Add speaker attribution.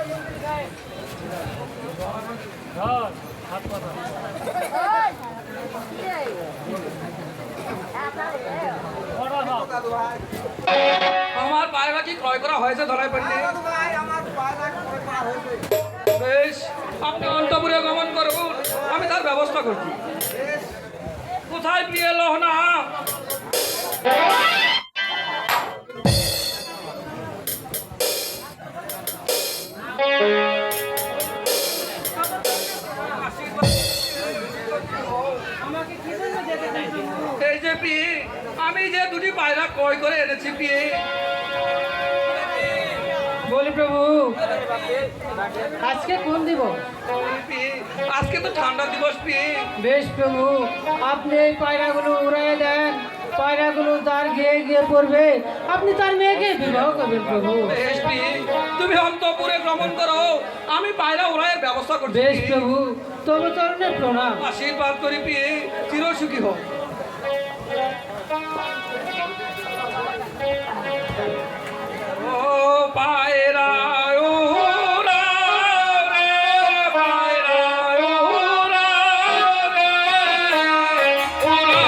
Speaker 1: আমার পায়রা কি ক্রয় করা হয়েছে ধরাই পড়লে? বেশ, আপনি অন্তপুরে গমন করুন, আমি তার ব্যবস্থা করছি। কোথায় প্রিয় লহনা? এই যে প্রিয়ে, আমি যে দুটি পায়রা ক্রয় করে এনেছি প্রিয়ে।
Speaker 2: বলি প্রভু, আজকে কোন দিব?
Speaker 1: আজকে তো ঠান্ডা দিবস প্রিয়ে।
Speaker 2: বেশ প্রভু, আপনি এই পায়রাগুলো উড়াই দেন। পায়রাগুলো তার গিয়ে গিয়ে পড়বে, আপনি তার মেয়েকে বিবাহ করবেন প্রভু।
Speaker 1: বেশ প্রিয়ে, তুমি অন্তপুরে ভ্রমণ করো, আমি পায়রা উড়াইয়ের ব্যবস্থা করছি।
Speaker 2: বেশ প্রভু, তবে চরণে প্রণাম।
Speaker 1: আশীর্বাদ করি প্রিয়ে, চিরসুখী হোক।